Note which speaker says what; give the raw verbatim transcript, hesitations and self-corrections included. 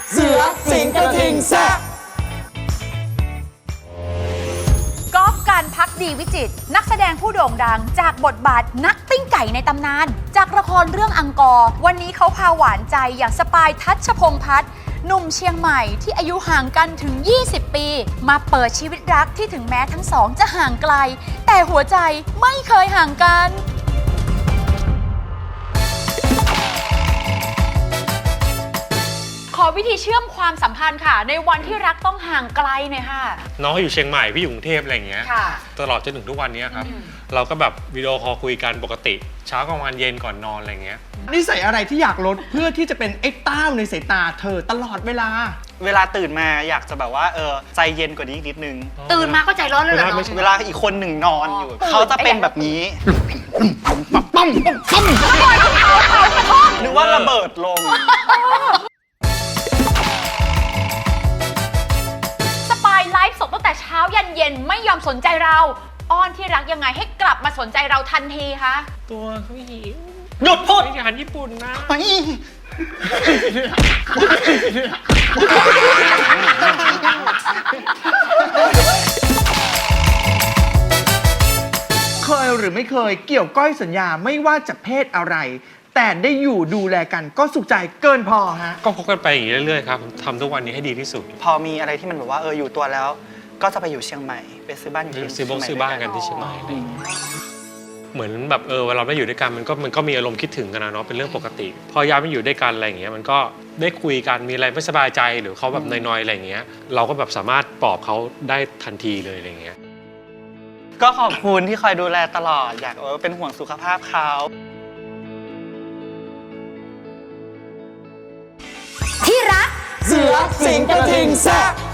Speaker 1: เสือสิงกระทิงแซะ
Speaker 2: กอล์ฟการพักดีวิจิตรนักแสดงผู้โด่งดังจากบทบาทนักปิ้งไก่ในตำนานจากละครเรื่องอังกอร์วันนี้เขาพาหวานใจอย่างสปายทัชพงษ์พัฒน์หนุ่มเชียงใหม่ที่อายุห่างกันถึงยี่สิบปีมาเปิดชีวิตรักที่ถึงแม้ทั้งสองจะห่างไกลแต่หัวใจไม่เคยห่างกันขอวิธีเชื่อมความสัมพันธ์ค่ะในวันที่รักต้องห่างไกลหน่อยค่ะ
Speaker 3: น้องอยู่เชียงใหม่พี่อยู่กรุงเทพอะไรอย่างเงี้ยตลอดจนถึงทุกวันนี้ครับเราก็แบบวิดีโอคอลคุยกันปกติเช้ากลางวันเย็นก่อนนอนอะไรเงี้ย
Speaker 1: นิสัยอะไรที่อยากลดเพื่อที่จะเป็นไอ้เต้าในสายตาเธอตลอดเวลา
Speaker 4: เวลาตื่นมาอยากจะแบบว่าเออใจเย็นกว่านี้อีกนิดนึง
Speaker 2: ตื่นมาก็ใจร้อนเลยเหรอ
Speaker 4: เวลาอีกคนหนึ่งนอนอยู่เขาจะเป็นแบบนี้นึกว่าระเบิดลง
Speaker 2: ไลฟ์สดตั้งแต่เช้ายันเย็นไม่ยอมสนใจเราอ้อนที่รักยังไงให้กลับมาสนใจเราทันทีคะ
Speaker 3: ตัวเขาหิว
Speaker 4: หยุดพูด
Speaker 3: อาหารญี่ปุ่นนะ
Speaker 1: เคยหรือไม่เคยเกี่ยวก้อยสัญญาไม่ว่าจะเพศอะไรแต่ได้อยู่ดูแลกันก็สุขใจเกินพอฮะ
Speaker 3: ก็คบกันไปอย่างนี้เรื่อยๆครับทำทุกวันนี้ให้ดีที่สุด
Speaker 4: พอมีอะไรที่มันแบบว่าเอออยู่ตัวแล้วก็จะไปอยู่เชียงใหม่ไปซื้อบ้านอยู่ที่
Speaker 3: ซื้อบ้านซื้อบ้านกันที่เชียงใหม่เหมือนแบบเออเวลาเราอยู่ด้วยกันมันก็มันก็มีอารมณ์คิดถึงกันนะเนาะเป็นเรื่องปกติพอย้ายมาอยู่ด้วยกันอะไรอย่างเงี้ยมันก็ได้คุยกันมีอะไรไม่สบายใจหรือเขาแบบนอยๆอะไรอย่างเงี้ยเราก็แบบสามารถปลอบเขาได้ทันทีเลยอะไรอย่างเงี้ย
Speaker 4: ก็ขอบคุณที่คอยดูแลตลอดอยากเออเป็นห่วงสุขภาพเขา
Speaker 2: ที่รัก
Speaker 1: เสือสิงกระทิงแซะ